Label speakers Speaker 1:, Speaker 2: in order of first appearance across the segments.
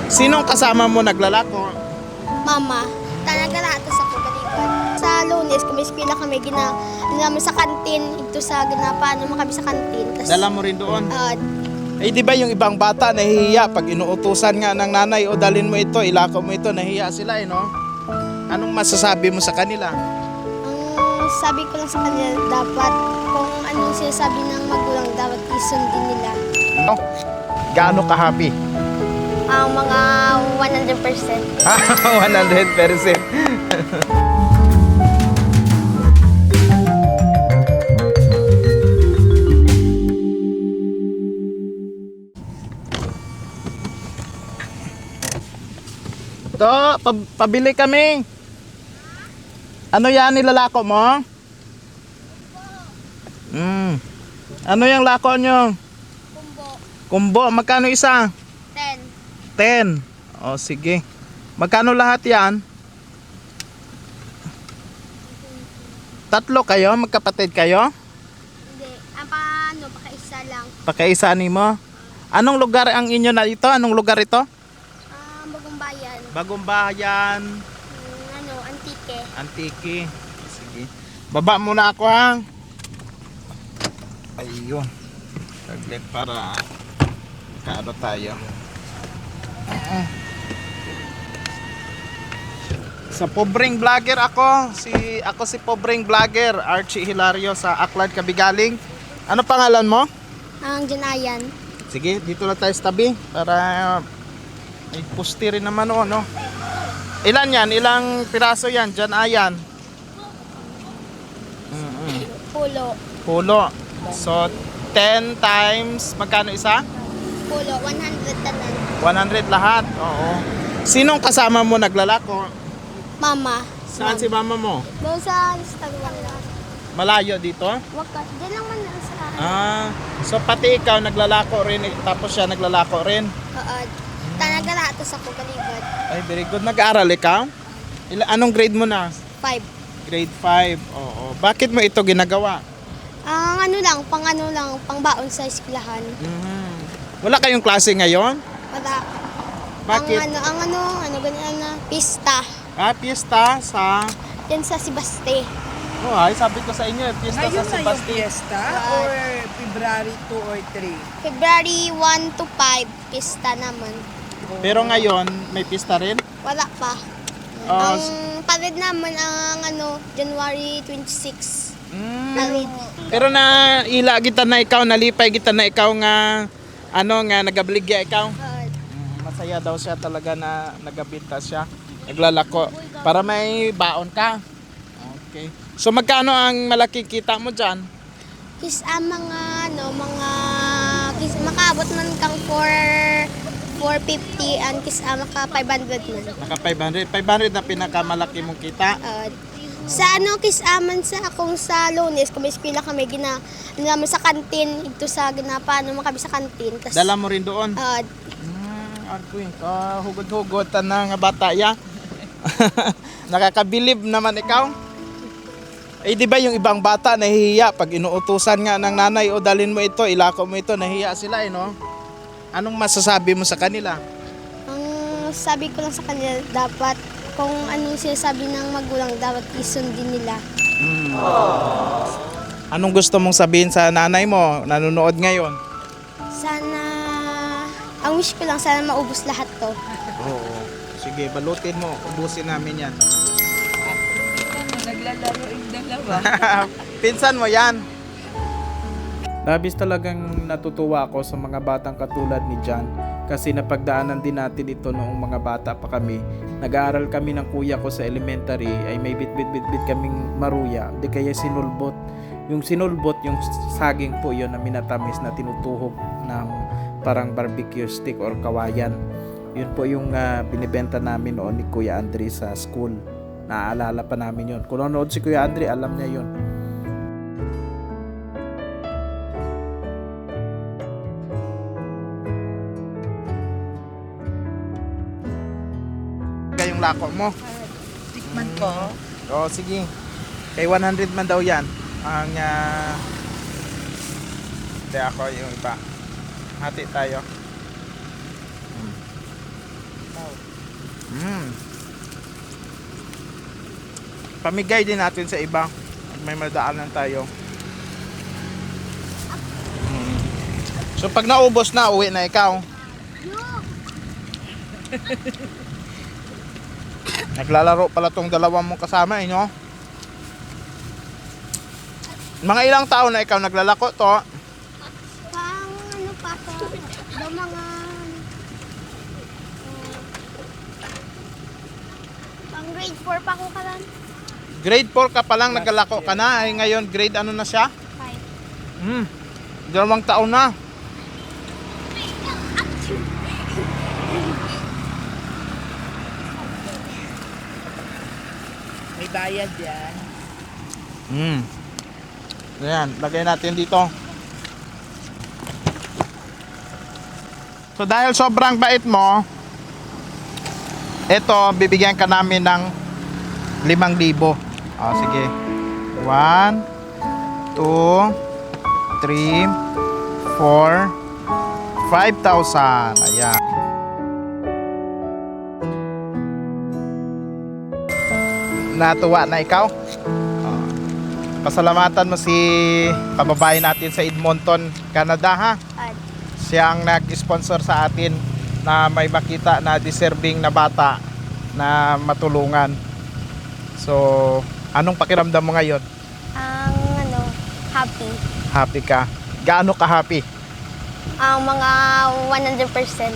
Speaker 1: Sinong kasama mo naglalako?
Speaker 2: Mama, nagalatas ako galibad. Sa Lunes, kung may eskwela kami, namin sa kantin, ito sa ginapano mo kami sa kantin.
Speaker 1: Dala mo rin doon? Eh di ba yung ibang bata nahihiya pag inuutusan nga ng nanay o dalin mo ito, ilako mo ito, nahihiya sila no? Anong masasabi mo sa kanila?
Speaker 2: Ang sabi ko lang sa kanila, dapat kung anong sinasabi ng magulang, dapat isundin nila.
Speaker 1: Ano? Gaano ka-happy?
Speaker 2: Ang mga 100%.
Speaker 1: 100%. To, pabili kami. Ano yan nilalako mo? Ano yung lako nyo?
Speaker 2: Kumbo.
Speaker 1: Kumbo, magkano isa?
Speaker 2: 10.
Speaker 1: 10. O sige. Magkano lahat yan? 3 kayo? Magkapatid kayo?
Speaker 2: Hindi. Ang paano, pakaisa lang.
Speaker 1: Pakaisa ni mo? Anong lugar ang inyo na ito? Anong lugar ito?
Speaker 2: Bagong bayan.
Speaker 1: Bagong Bayan.
Speaker 2: Antike.
Speaker 1: Antiki. Sige. Baba muna ako ha. Ayun. Taglit para kaano tayo. Sa pobreng vlogger ako. Ako si pobreng vlogger Archie Hilario sa Aklan Kabigaling. Ano pangalan mo?
Speaker 2: Ang Janayan.
Speaker 1: Sige, dito na tayo sa tabi para may pusti rin naman o, no? Ilan yan? Ilang piraso yan? Diyan ayan. Pulo. So, 10 times, magkano isa?
Speaker 2: Pulo, 100 tanan.
Speaker 1: 100 lahat. Oo. Sinong kasama mo naglalako?
Speaker 2: Mama.
Speaker 1: Saan si mama mo?
Speaker 2: Doon sa Instagram lang.
Speaker 1: Malayo dito?
Speaker 2: Wakat. Diyan lang man sa
Speaker 1: So pati ikaw naglalako rin, tapos siya naglalako rin?
Speaker 2: Nagalatas ako galibad.
Speaker 1: Ay, very good. Nag-aaral ikaw? Anong grade mo na?
Speaker 2: 5.
Speaker 1: Grade 5. Oo. Bakit mo ito ginagawa?
Speaker 2: Pang baon sa eskwelahan.
Speaker 1: Wala kayong klase ngayon?
Speaker 2: Wala.
Speaker 1: Bakit?
Speaker 2: Ganyan na, pista.
Speaker 1: Piyesta sa...
Speaker 2: Yan sa Sibaste.
Speaker 1: Oh, ay, sabi ko sa inyo, piyesta
Speaker 3: Ngayon
Speaker 1: sa
Speaker 3: na yung
Speaker 1: Sebastian.
Speaker 3: fiesta or February 2 or 3?
Speaker 2: February 1 to 5, pista naman.
Speaker 1: Pero ngayon, may pista rin?
Speaker 2: Wala pa.
Speaker 1: Oh,
Speaker 2: Ang pared naman ang January 26. Pared.
Speaker 1: Pero nalipay kita na ikaw nga nagabligya ikaw. Masaya daw siya talaga na nagabinta siya. Naglalako para may baon ka. Okay. So magkano ang malaki kita mo diyan?
Speaker 2: Makaabot man kang 450 and maka 500 man.
Speaker 1: Naka 500. 500 na pinakamalaki mong kita.
Speaker 2: Sa kisaman sa akong sa Lunes, kung may eskwela kami, namin sa kantin, ito sa ginapano mo kami sa kantin.
Speaker 1: Dala mo rin doon? Arkoy, hugod-hugod na nga bata ya. Nakakabilib naman ikaw. Eh di ba yung ibang bata nahihiya pag inuutusan nga ng nanay o dalin mo ito, ilako mo ito, nahihiya sila no? Anong masasabi mo sa kanila?
Speaker 2: Ang sabi ko lang sa kanila, dapat kung anong sinasabi ng magulang, dapat isundin nila.
Speaker 1: Anong gusto mong sabihin sa nanay mo, nanonood ngayon?
Speaker 2: Sana, ang wish ko lang, sana maubos lahat to.
Speaker 1: Oo. Sige, balutin mo, ubusin namin yan.
Speaker 3: Naglalaro yung dalawa.
Speaker 1: Pinsan mo yan. Labis talagang natutuwa ako sa mga batang katulad ni John kasi napagdaanan din natin ito noong mga bata pa kami. Nag-aaral kami ng kuya ko sa elementary ay may bit-bit kaming maruya, di kaya sinulbot. Yung sinulbot, yung saging po yun na minatamis na tinutuhog ng parang barbecue stick or kawayan. Yun po yung binibenta namin noon ni Kuya Andre sa school. Naaalala pa namin yun. Kung nanonood si Kuya Andre, alam niya yun. Kayong lako mo?
Speaker 3: Tikman ko.
Speaker 1: Oo, sige. Kay 100 man daw yan. Ang hindi ako yung iba. Hati tayo. Pamigay din natin sa iba. May madaanan tayo. So pag naubos na, uwi na ikaw. Naglalaro pala tong dalawang mong kasama, no? Mga ilang taon na ikaw naglalako to?
Speaker 2: Pang ano pa to? Daw mga... pang grade 4 pa ako kalan.
Speaker 1: Grade 4 ka pa lang, naglalako ka na. Ay, ngayon, grade ano na siya?
Speaker 2: 5.
Speaker 1: 2 taon na.
Speaker 3: May bayad yan.
Speaker 1: Ayan, lagay natin dito. So dahil sobrang bait mo, ito, bibigyan ka namin ng 5,000. Sige. 1, 2, 3, 4, 5,000. Ayan. Natuwa na ikaw? Pasalamatan mo si kababayan natin sa Edmonton, Canada, ha? Siya ang nag-sponsor sa atin na may makita na deserving na bata na matulungan. So, anong pakiramdam mo ngayon?
Speaker 2: Ang ano, happy.
Speaker 1: Happy ka? Gaano ka happy?
Speaker 2: Ang mga 100%.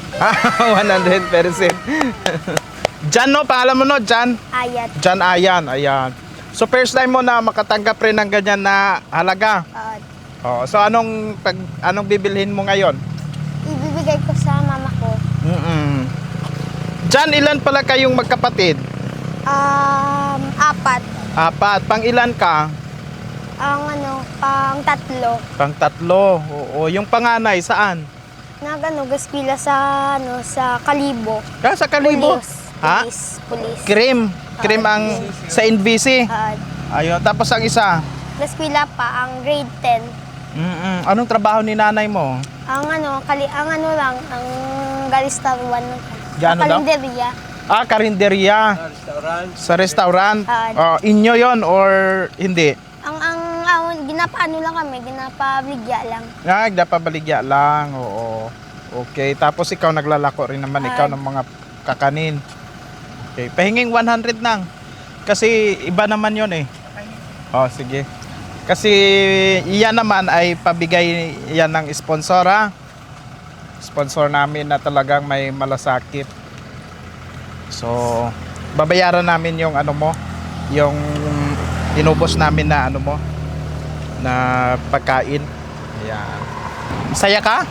Speaker 1: 100%. Jan, no? Pangalan mo, no? Jan?
Speaker 2: Ayat.
Speaker 1: Jan Ayan. Ayan. So, first time mo na makatanggap rin ng ganyan na halaga. So, anong bibilhin mo ngayon?
Speaker 2: Ibibigay ko sa mama ko.
Speaker 1: Jan, ilan pala kayong magkapatid?
Speaker 2: 4.
Speaker 1: 4. Pang ilan ka?
Speaker 2: Ang ano, pang 3.
Speaker 1: Pang 3. Oo. Yung panganay, saan?
Speaker 2: Gaspila sa ano, sa Kalibo.
Speaker 1: Sa Kalibo? Ha?
Speaker 2: Pulis.
Speaker 1: Krim ang sa NBC. Ayun. Tapos ang isa?
Speaker 2: Gaspila pa, ang grade 10.
Speaker 1: Anong trabaho ni nanay mo?
Speaker 2: Ang ano, ang Galistar 1.
Speaker 1: Gaano daw?
Speaker 2: Kalenderya.
Speaker 1: Karinderya. Sa restaurant? Inyo yon or hindi?
Speaker 2: Ang ginapaano lang kami, ginapabligya lang.
Speaker 1: Nagdapabaligya lang. Oo. Okay. Tapos ikaw naglalako rin naman ikaw ng mga kakanin. Okay. Pahinging 100 nang. Kasi iba naman yon eh. Sige. Kasi iyan naman ay pabigay yan ng sponsor, ha? Sponsor namin na talagang may malasakit. So, babayaran namin yung ano mo, yung inubos namin na ano mo, na pagkain. Ayan. Masaya ka?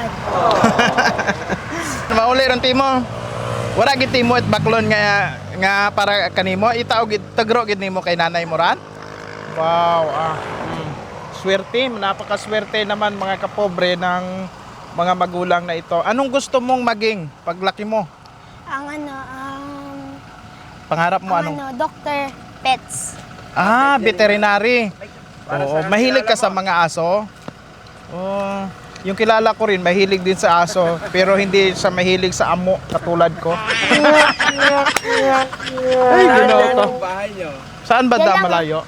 Speaker 1: Mauli ron timo. Wala gid timo at baklon nga para kanimo itaw gid tagro gid nimo kay nanay mo ran. Wow, swerte, napakaswerte naman mga kapobre ng mga magulang na ito. Anong gusto mong maging paglaki mo?
Speaker 2: Ang
Speaker 1: Pangarap mo anong?
Speaker 2: Doctor Pets.
Speaker 1: Veterinary. Oo, mahilig ka sa mga aso? Yung kilala ko rin, mahilig din sa aso, pero hindi siya mahilig sa amo, katulad ko. Ay, ginawa to. Saan ba da malayo?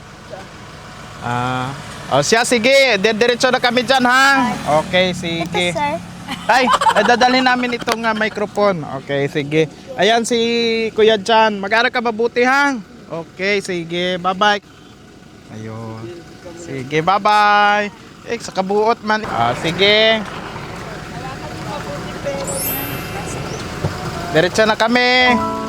Speaker 1: Siya, sige, diretso na kami dyan, ha? Okay, sige.
Speaker 2: Ito, sir.
Speaker 1: Ay, dadalhin namin itong microphone. Okay, sige. Ayan si Kuya Jan. Mag-aral ka mabuti, ha? Okay, sige. Bye-bye. Ayun. Sige, bye-bye. Sa kabuot man. Sige. Diretso na kami.